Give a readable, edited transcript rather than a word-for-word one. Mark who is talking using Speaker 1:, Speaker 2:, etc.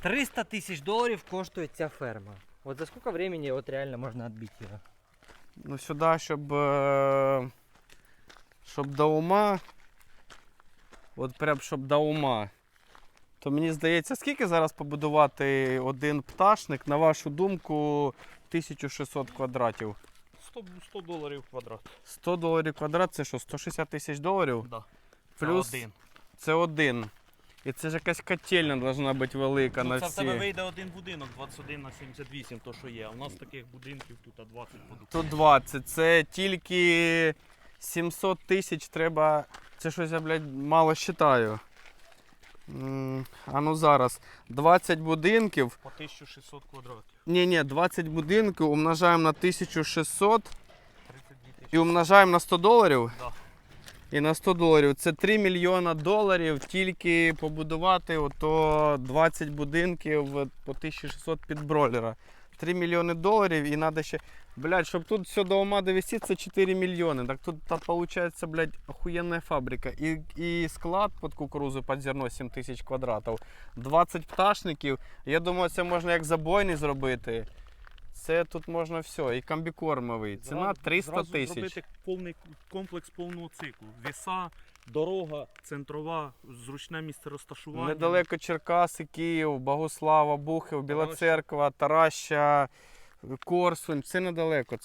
Speaker 1: 300 тисяч доларів коштує ця ферма. От за скільки времени от реально можна відбити його?
Speaker 2: Ну сюди, щоб до ума, от прям щоб до ума, то мені здається, скільки зараз побудувати один пташник, на вашу думку, 1600 квадратів?
Speaker 3: $100 квадрат.
Speaker 2: $100 квадрат, це що, 160 тисяч доларів?
Speaker 3: Да.
Speaker 2: Плюс
Speaker 3: Це один.
Speaker 2: це один. І це ж якась котельня повинна бути велика на
Speaker 3: Це в тебе
Speaker 2: всі.
Speaker 3: вийде один будинок 21 на 78, то що є. А у нас таких будинків тут 20 подобається.
Speaker 2: Тут 20. Це тільки 700 тисяч треба. Це щось я, блядь, мало вважаю. А ну зараз. 20 будинків.
Speaker 3: По 1600 квадратів.
Speaker 2: Ні, 20 будинків умножаємо на 1600
Speaker 3: 32
Speaker 2: і
Speaker 3: тисячі.
Speaker 2: умножаємо на $100.
Speaker 3: Да.
Speaker 2: І на $100. Це $3 мільйона тільки побудувати ото 20 будинків по 1600 під бройлера. $3 мільйони і треба ще... Блядь, щоб тут все до ума довести, це 4 мільйони. Так тут виходить, блядь, охуєнна фабрика. І склад під кукурузу, під зерно 7 тисяч квадратів. 20 пташників. Я думаю, це можна як забойний зробити. Це тут можна все. І комбікормовий. Ціна 300
Speaker 3: Зразу
Speaker 2: тисяч.
Speaker 3: зробити повний комплекс повного циклу. Віса, дорога, центрова, зручне місце розташування.
Speaker 2: Недалеко Черкаси, Київ, Богослава, Бухів, Біла Церква, Тараща, Корсунь. Це недалеко.